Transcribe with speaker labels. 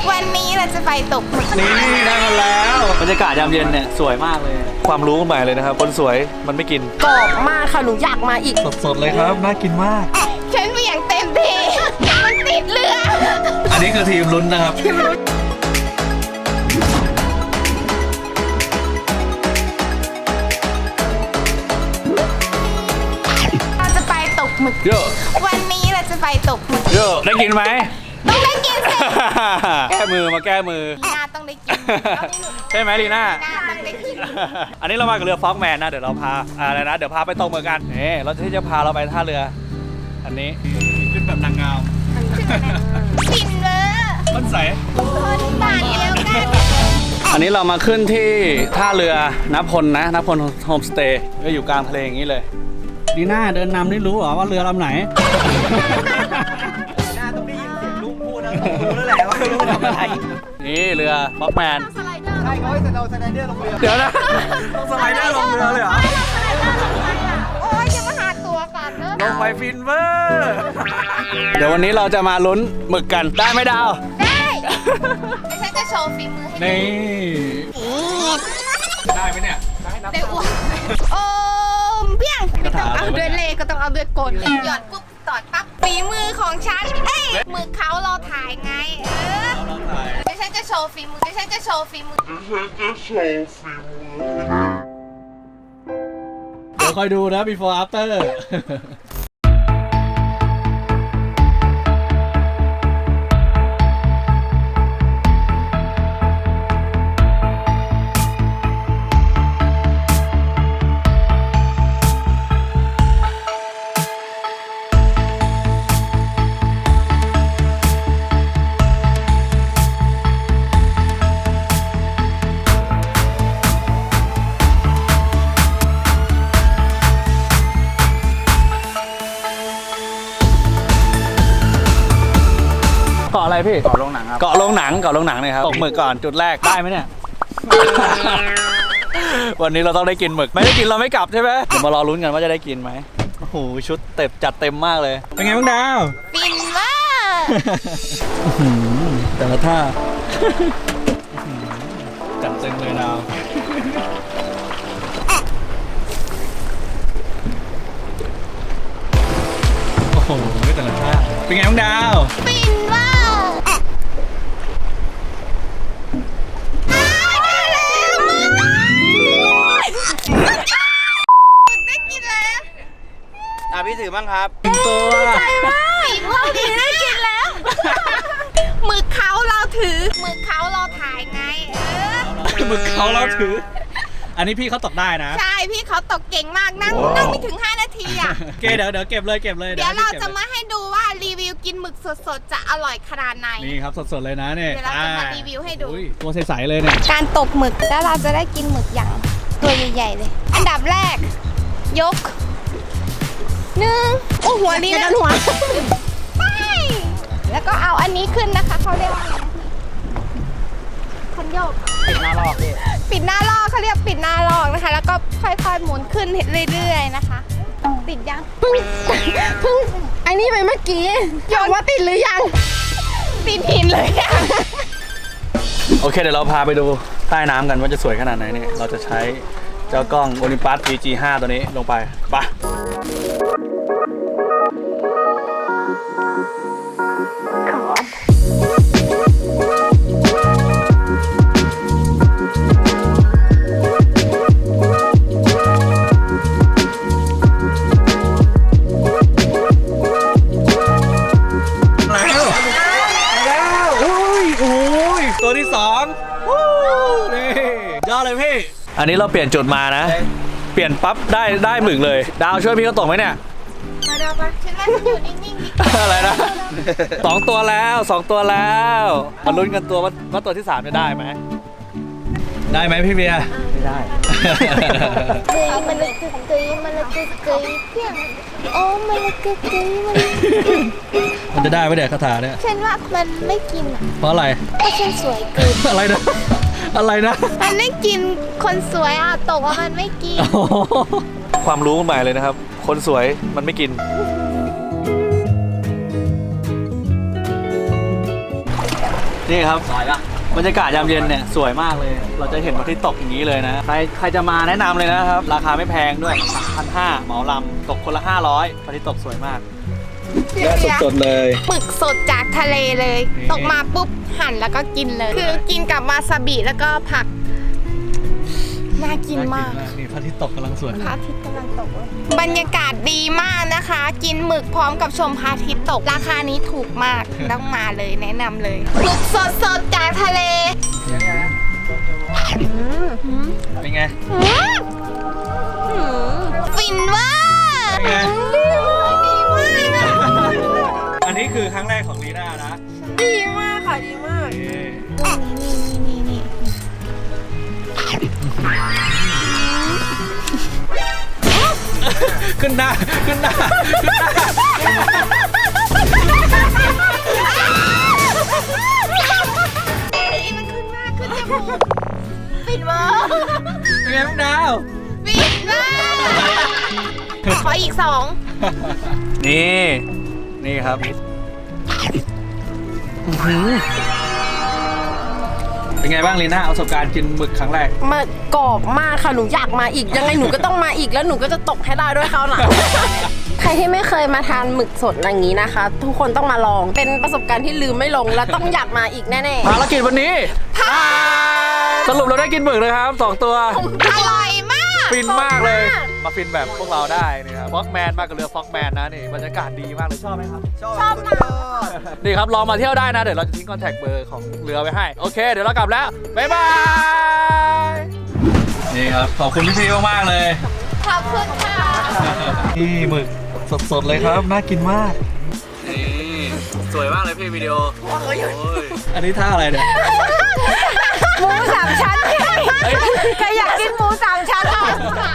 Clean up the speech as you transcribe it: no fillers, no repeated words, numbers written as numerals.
Speaker 1: วันนี้เราจะไปตกหมึก
Speaker 2: นี่ได้มาแล้วบรรยากาศยามเย็นเนี่ยสวยมากเลยความรู้ใหม่เลยนะครับคนสวยมันไม่กิน
Speaker 3: กรอบมากค่ะหนูอยากมาอีก
Speaker 2: สดๆเลยครับน่ากินมาก
Speaker 1: ฉันเบี่ยงเต็มที่มันติดเรือ
Speaker 2: อันนี้คือทีมลุ้นนะครับ
Speaker 1: เราจะไปตกหมึก
Speaker 2: เยอะ
Speaker 1: วันนี้เราจะไปตกหมึก
Speaker 2: เยอะได้กินไหม
Speaker 1: ต้องได้กินสิ
Speaker 2: แก้มือมาแก้มือ
Speaker 1: ลีน่าต้องได้กิน
Speaker 2: ใช่ไหมลีน่า
Speaker 1: ลีน่าต้องได้กิน
Speaker 2: อันนี้เรามากับเรือฟ็อกแมนนะเดี๋ยวเราพาอะไรนะเดี๋ยวพาไปตกเหมือนกันนี่เราที่จะพาเราไปท่าเรือ อันนี้ขึ้นแบบนางงาม
Speaker 1: กินเลย
Speaker 2: ต้นใส
Speaker 1: คนบาทเดียวกัน
Speaker 2: อันนี้เรามาขึ้นที่ท่าเรือนพลนะนพลโฮมสเตย์ก็อยู่กลางทะเลอย่างนี้เลยดีน่าเดินนำนี่รู้เหรอว่าเรือลำไหนดีน่าต้องได้ยินเสียงลุงพูดนะรู้แล้วแหละว่าลุงทำอะไรนี่เรือฟ็อกแมน
Speaker 1: สไลเดอร์
Speaker 4: ใช่เขาให้เราสไลเดอร์ลงเรือ
Speaker 2: เดี๋ยวนะต้องสไลเดอร์ลงเรือเลยเหรอ
Speaker 1: โอ้ยจะมาหาตัวก่อนเนอะ
Speaker 2: ลงไปฟินเวอร์เดี๋ยววันนี้เราจะมาลุ้นหมึกกันได้ไหมดาว
Speaker 1: ได้ไม่ใช่จะโชว์ฝีมือให้ดู
Speaker 2: นี่ได้ไหมเนี่ย
Speaker 1: ได้อ้วนโอ้มเพียงไม่ต้องเอาด้วยเลขก็ต้องเอาด้วยกลหยอดปุ๊บตอดปั๊บฝีมือของฉันเอ้ยมือเขาเราถ่ายไงไม่ใช่จะโชว์ฝีมือไม่ใช่จะโชว์ฝีมือ
Speaker 2: เดี๋ยวคอยดูนะ before after เกาะอะไรพี่
Speaker 4: ต่อลงหนังครับ
Speaker 2: เกาะโรงหนังเนี่ยครับตกหมึกก่อนจุดแรกได้ไหมเนี่ย วันนี้เราต้องได้กินหมึกไม่ได้กินเราไม่กลับใช่ไหมเดี๋ยวมารอลุ้นกันว่าจะได้กินไหมโอ้โหชุดเต็มจัดเต็มมากเลยเป็นไงบ้างดาว
Speaker 1: ฟินมาก
Speaker 2: แต่ละท่าจัดเต็มเลยดาวโอ้โหแต่ละท่าเป็นไงบ้างดาว
Speaker 1: ฟินมากได้แล้วมึงได้กินแล้ว
Speaker 4: พี่ถือบ้างครับ
Speaker 2: ตัว
Speaker 1: ฝีมือดีได้กินแล้วมือเขาเราถือมือเขาเราถ่ายไง
Speaker 2: หมึกเขาเราถือ อันนี้พี่เขาตกได้นะ
Speaker 1: ใช่พี่เขาตกเก่งมากนั่งไม่ถึง 5 นาทีอ่ะ
Speaker 2: โอเคเดี๋ยวเก็บเลย
Speaker 1: เดี๋ยวเราจะมาให้ดูว่ารีวิวกินหมึกสดๆจะอร่อยขนาดไหน
Speaker 2: นี่ครับสดๆเลยนะเนี่ย
Speaker 1: เดี๋ยวเราจะมารีวิวให้ดู
Speaker 2: อุ้ยตัวใสๆเลยเนี่ย
Speaker 1: การตกหมึกแล้วเราจะได้กินหมึกอย่างตัวใหญ่ๆเลย อันดับแรก ยกหนึ่งโอ้หัวนี้นะหัวไปแล้วก็เอาอันนี้ขึ้นนะคะเขาเรียกว่าอะไรนะคันโยก
Speaker 4: ปิดหน้าลอกพี่
Speaker 1: ปิดหน้าลอกเขาเรียกปิดหน้าลอกนะคะ แล้วก็ค่อยๆหมุนขึ้นเรื่อยๆนะคะ ติดยัง
Speaker 3: เพิ่งไอ้นี่ไปเมื่อกี้หยอกว่าติดหรือยัง
Speaker 1: ติดหินเลยอะ
Speaker 2: โอเคเดี๋ยวเราพาไปดูใต้น้ำกันว่าจะสวยขนาดไหนเนี่ยเราจะใช้เจ้ากล้อง Olympus EG5 ตัวนี้ลงไปไปตัวที่สองนี่ยอดเลยพี่ อันนี้เราเปลี่ยนจุดมานะ เปลี่ยนปั๊บได้หมึกเลย ดาวช่วยพี่เขาตกไหมเนี่ย
Speaker 1: มาเดี๋ยวไปฉันว่าฉันอยู่นิ่งๆดิ
Speaker 2: อะไรนะ2 ตัวแล้วมาลุ้นกันตัวว่าตัวที่3จะได้ไหมได้ไหมพี่เบียร์ไม่ได้
Speaker 1: เกยมันเลยเกยมันเลยเกยเพียงโอ้มันเลยเกยมัน
Speaker 2: มันจะได้ไหมเนี่ยคาถาเนี่ย
Speaker 1: ฉันว่ามันไม่กินอ่ะ
Speaker 2: เพราะอะไร
Speaker 1: เพราะฉันสวยเกิน
Speaker 2: อะไรนะอะไรนะ
Speaker 1: มันไม่กินคนสวยอ่ะตกว่ามันไม่กิน
Speaker 2: ความรู้ใหม่เลยนะครับ คนสวยมันไม่กินนี่ครับบรรยากาศยามเย็นเนี่ยสวยมากเลย เราจะเห็นพระอาทิตย์ตกอย่างนี้เลยนะ ใครจะมาแนะนำเลยนะครับ ราคาไม่แพงด้วย 1,500เหมาลำตกคนละ 500พระอาทิตย์ตกสวยมากสดๆเลย
Speaker 1: หมึกสดจากทะเลเลย
Speaker 2: นี่
Speaker 1: ตกมาปุ๊บหั่นแล้วก็กินเลย คือกินกับวาซาบิแล้วก็ผัก น่ากินมาก
Speaker 2: นี่พระอาทิตย์ตกกำลังสวย
Speaker 1: พระอาทิตย์กำลังตกเลยบรรยากาศดีมากนะคะ กินหมึกพร้อมกับชมพระอาทิตย์ตก ราคานี้ถูกมาก ต้องมาเลยแนะนำเลยหมึกสดๆจากทะเล
Speaker 2: เป็นไง
Speaker 1: ฟินเว่า
Speaker 2: เป็นไง
Speaker 1: ดีมาก
Speaker 2: อันนี้คือครั้งแรกของลีน่านะ
Speaker 3: ดีมากค่ะดีมาก
Speaker 1: นี่
Speaker 2: ขึ้นหน้าขึ้นหน้า
Speaker 1: มันขึ้นมากขึ้นจมูกฟินเว่า
Speaker 2: เป็นไงบ้างดาว
Speaker 1: ฟินมากขออีก 2
Speaker 2: นี่ครับเป็นไงบ้างลีน่าประสบการณ์กินหมึกครั้งแรก
Speaker 3: มันกรอบมากค่ะหนูอยากมาอีกยังไงหนูก็ต้องมาอีกแล้วหนูก็จะตกให้ได้ด้วยเขาหลัง ใครที่ไม่เคยมาทานหมึกสดอย่างนี้นะคะ ทุกคนต้องมาลองเป็นประสบการณ์ที่ลืมไม่ลงและต้องอยากมาอีกแน่ๆ
Speaker 2: ภารกิจวันนี้สรุปเราได้กินหมึกเลยครับ2 ตัว
Speaker 1: อร่อยมาก
Speaker 2: ฟินมากเลย
Speaker 3: สดมาก
Speaker 2: มาฟินแบบพวกเราได้นี่ครับฟ็อกแมนมากับเรือฟ็อกแมนนะนี่บรรยากาศดีมากเลยชอบไหมครับ
Speaker 4: ชอบนะ
Speaker 2: นี่ครับลองมาเที่ยวได้นะเดี๋ยวเราจะทิ้งคอนแทคเบอร์ของเรือไว้ให้โอเคเดี๋ยวเรากลับแล้วบ๊ายบายนี่ครับขอบคุณพี่ๆมากๆเลย
Speaker 1: ขอบคุณค่ะ
Speaker 2: นี่หมึกสดๆเลยครับน่ากินมากนี่สวยมากเลยพี่วิดีโอโอ้ยอันนี้ท่าอะไรเนี่ย
Speaker 1: หมู 3 ชั้นใครอยากกินหมู 3 ชั้นอ่ะ